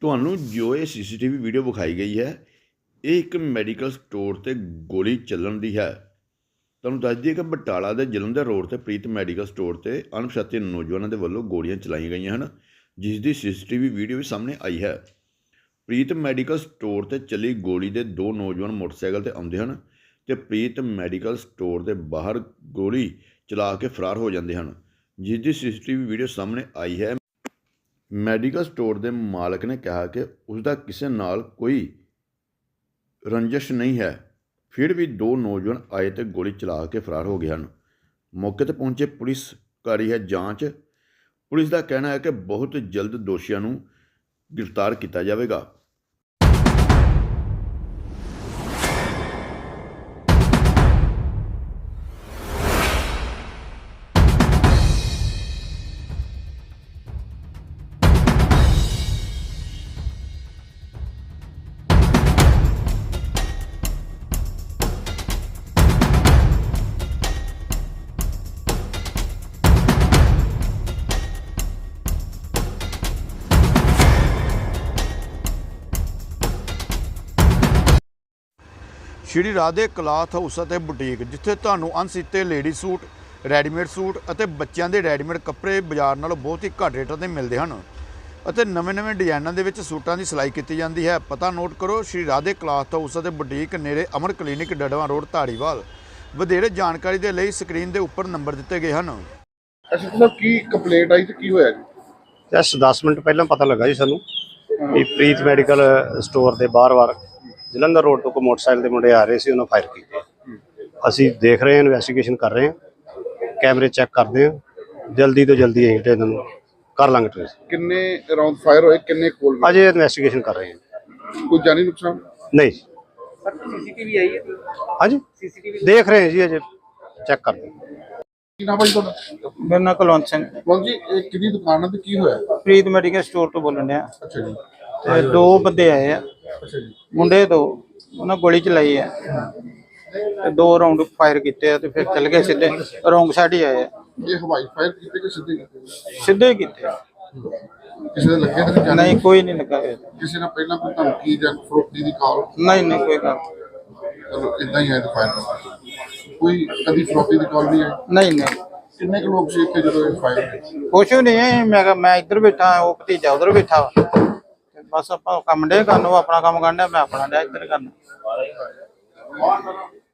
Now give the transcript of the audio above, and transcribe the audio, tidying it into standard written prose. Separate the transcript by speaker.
Speaker 1: ਤੁਹਾਨੂੰ ਜੋ ਇਹ CCTV ਵੀਡੀਓ ਵਿਖਾਈ ਗਈ ਹੈ, ਇਹ ਇੱਕ ਮੈਡੀਕਲ ਸਟੋਰ 'ਤੇ ਗੋਲੀ ਚੱਲਣ ਦੀ ਹੈ। ਤੁਹਾਨੂੰ ਦੱਸ ਦਈਏ ਕਿ ਬਟਾਲਾ ਦੇ ਜਲੰਧਰ ਰੋਡ 'ਤੇ ਪ੍ਰੀਤ ਮੈਡੀਕਲ ਸਟੋਰ 'ਤੇ ਅਣਪਛਾਤੇ ਨੌਜਵਾਨਾਂ ਦੇ ਵੱਲੋਂ ਗੋਲੀਆਂ ਚਲਾਈਆਂ ਗਈਆਂ ਹਨ, ਜਿਸ ਦੀ CCTV ਵੀਡੀਓ ਵੀ ਸਾਹਮਣੇ ਆਈ ਹੈ। ਪ੍ਰੀਤ ਮੈਡੀਕਲ ਸਟੋਰ 'ਤੇ ਚੱਲੀ ਗੋਲੀ ਦੇ ਦੋ ਨੌਜਵਾਨ ਮੋਟਰਸਾਈਕਲ 'ਤੇ ਆਉਂਦੇ ਹਨ ਅਤੇ ਪ੍ਰੀਤ ਮੈਡੀਕਲ ਸਟੋਰ ਦੇ ਬਾਹਰ ਗੋਲੀ ਚਲਾ ਕੇ ਫਰਾਰ ਹੋ ਜਾਂਦੇ ਹਨ, ਜਿਸ ਦੀ CCTV ਵੀਡੀਓ ਸਾਹਮਣੇ ਆਈ ਹੈ। ਮੈਡੀਕਲ ਸਟੋਰ ਦੇ ਮਾਲਕ ਨੇ ਕਿਹਾ ਕਿ ਉਸ ਦਾ ਕਿਸੇ ਨਾਲ ਕੋਈ ਰੰਜਿਸ਼ ਨਹੀਂ ਹੈ, ਫਿਰ ਵੀ ਦੋ ਨੌਜਵਾਨ ਆਏ ਤੇ ਗੋਲੀ ਚਲਾ ਕੇ ਫਰਾਰ ਹੋ ਗਏ ਹਨ। ਮੌਕੇ 'ਤੇ ਪਹੁੰਚੇ ਪੁਲਿਸ ਕਰ ਰਹੀ ਹੈ ਜਾਂਚ। ਪੁਲਿਸ ਦਾ ਕਹਿਣਾ ਹੈ ਕਿ ਬਹੁਤ ਜਲਦ ਦੋਸ਼ੀਆਂ ਨੂੰ ਗ੍ਰਿਫਤਾਰ ਕੀਤਾ ਜਾਵੇਗਾ। ਸ਼੍ਰੀ ਰਾਧੇ ਕਲਾਥ ਹਾਊਸ ਅਤੇ ਬੁਟੀਕ, ਜਿੱਥੇ ਤੁਹਾਨੂੰ ਅਣਸੀਤੇ ਲੇਡੀ ਸੂਟ, ਰੈਡੀਮੇਡ ਸੂਟ ਅਤੇ ਬੱਚਿਆਂ ਦੇ ਰੈਡੀਮੇਡ ਕੱਪੜੇ ਬਾਜ਼ਾਰ ਨਾਲੋਂ ਬਹੁਤ ਹੀ ਘੱਟ ਰੇਟਾਂ 'ਤੇ ਮਿਲਦੇ ਹਨ ਅਤੇ ਨਵੇਂ ਡਿਜ਼ਾਈਨਾਂ ਦੇ ਵਿੱਚ ਸੂਟਾਂ ਦੀ ਸਿਲਾਈ ਕੀਤੀ ਜਾਂਦੀ ਹੈ। ਪਤਾ ਨੋਟ ਕਰੋ, ਸ਼੍ਰੀ ਰਾਧੇ ਕਲਾਥ ਹਾਊਸ ਅਤੇ ਬੁਟੀਕ, ਨੇੜੇ ਅਮਰ ਕਲੀਨਿਕ, ਡੜਵਾ ਰੋਡ, ਧਾਰੀਵਾਲ। ਵਧੇਰੇ ਜਾਣਕਾਰੀ ਦੇ ਲਈ ਸਕਰੀਨ ਦੇ ਉੱਪਰ ਨੰਬਰ ਦਿੱਤੇ ਗਏ ਹਨ।
Speaker 2: ਅੱਛਾ ਸਾਹਿਬ, ਕੀ ਕੰਪਲੇਂਟ ਆਈ ਤੇ ਕੀ ਹੋਇਆ ਜੀ?
Speaker 3: ਜਸਟ 10 ਮਿੰਟ ਪਹਿਲਾਂ ਪਤਾ ਲੱਗਾ ਜੀ ਸਾਨੂੰ ਵੀ ਪ੍ਰੀਤ ਮੈਡੀਕਲ ਸਟੋਰ ਦੇ ਬਾਹਰ ਜਲੰਧਰ ਰੋਡ ਤੋਂ ਕੋਈ ਮੋਟਰਸਾਈਕਲ ਦੇ ਮੁੰਡੇ ਆ ਰਹੇ ਸੀ, ਉਹਨਾਂ ਫਾਇਰ ਕੀਤੇ। ਅਸੀਂ ਦੇਖ ਰਹੇ ਹਾਂ, ਇਨਵੈਸਟੀਗੇਸ਼ਨ ਕਰ ਰਹੇ ਹਾਂ, ਕੈਮਰੇ ਚੈੱਕ ਕਰਦੇ ਹਾਂ, ਜਲਦੀ ਤੋਂ ਜਲਦੀ ਅਸੀਂ ਇਹਨਾਂ ਨੂੰ ਕਰ ਲਾਂਗੇ ਟ੍ਰੇਸ।
Speaker 2: ਕਿੰਨੇ ਰਾਉਂਡ ਫਾਇਰ ਹੋਏ, ਕਿੰਨੇ ਕੋਲ?
Speaker 3: ਅਜੇ ਇਨਵੈਸਟੀਗੇਸ਼ਨ ਕਰ ਰਹੇ ਹਾਂ।
Speaker 2: ਕੋਈ ਜਾਨੀ ਨੁਕਸਾਨ
Speaker 3: ਨਹੀਂ।
Speaker 4: CCTV ਆਈ ਹੈ?
Speaker 3: ਹਾਂਜੀ, ਦੇਖ ਰਹੇ ਹਾਂ ਜੀ, ਅਜੇ ਚੈੱਕ ਕਰਦੇ ਹਾਂ।
Speaker 2: ਕੀ ਨਾਮ ਹੈ ਜੀ ਤੁਹਾਡਾ?
Speaker 4: ਮੇਰਾ ਨਾਮ ਕੁਲਵੰਤ ਸਿੰਘ।
Speaker 2: ਜੀ, ਇਹ ਕਿਹਦੀ ਦੁਕਾਨ ਹੈ ਤੇ ਕੀ ਹੋਇਆ?
Speaker 4: ਪ੍ਰੀਤ ਮੈਡੀਕਲ ਸਟੋਰ ਤੋਂ ਬੋਲਣ ਡਿਆ।
Speaker 2: ਅੱਛਾ ਜੀ।
Speaker 4: ਤੇ ਦੋ ਬੰਦੇ ਆਏ ਆ,
Speaker 2: ਅੱਛਾ ਜੀ।
Speaker 4: ਮੁੰਡੇ ਦੋ, ਉਹਨਾਂ ਗੋਲੀ ਚਲਾਈ ਆ ਤੇ ਦੋ ਰਾਉਂਡ ਫਾਇਰ ਕੀਤੇ ਆ ਤੇ ਫਿਰ ਚੱਲ ਗਏ ਸਿੱਧੇ ਰੋਂਗ ਸਾਈਡ ਹੀ ਆਏ ਆ।
Speaker 2: ਇਹ ਹਵਾਈ ਫਾਇਰ ਕੀਤੇ ਕਿ ਸਿੱਧੇ ਕੀਤੇ?
Speaker 4: ਸਿੱਧੇ ਹੀ ਕੀਤੇ ਆ।
Speaker 2: ਕਿਸੇ ਦੇ ਲੱਗੇ ਤਾਂ ਨਹੀਂ?
Speaker 4: ਨਹੀਂ, ਕੋਈ ਨਹੀਂ ਲੱਗਾ ਹੋਇਆ।
Speaker 2: ਕਿਸੇ ਨੇ ਪਹਿਲਾਂ ਕੋਈ ਧਮਕੀ ਜਾਂ ਫਰੋਖਤੀ ਦੀ ਕਾਲ?
Speaker 4: ਨਹੀਂ, ਕੋਈ ਗੱਲ
Speaker 2: ਚਲੋ ਇਦਾਂ ਹੀ ਆਇਆ ਤਾਂ ਫਾਇਰ। ਕੋਈ ਕਦੀ ਫਰੋਖਤੀ ਦੀ ਕਾਲ ਨਹੀਂ ਆਈ?
Speaker 4: ਨਹੀਂ।
Speaker 2: ਕਿੰਨੇ ਕੁ ਲੋਕ ਸੀ ਇੱਥੇ ਜਦੋਂ ਇਹ ਫਾਇਰ ਹੋਇਆ?
Speaker 4: ਕੁਛ ਵੀ ਨਹੀਂ ਹੈ। ਮੈਂ ਕਿਹਾ ਮੈਂ ਇੱਧਰ ਬੈਠਾ, ਉਹ ਭਤੀਜਾ ਉਧਰ ਬੈਠਾ ਵਾ, ਤੇ ਬਸ ਆਪਾਂ ਕੰਮ ਡੇ ਕਰਨ, ਉਹ ਆਪਣਾ ਕੰਮ ਕਰਨ ਡਿਆ, ਮੈਂ ਆਪਣਾ ਡਿਆ ਇੱਧਰ ਕਰਨਾ।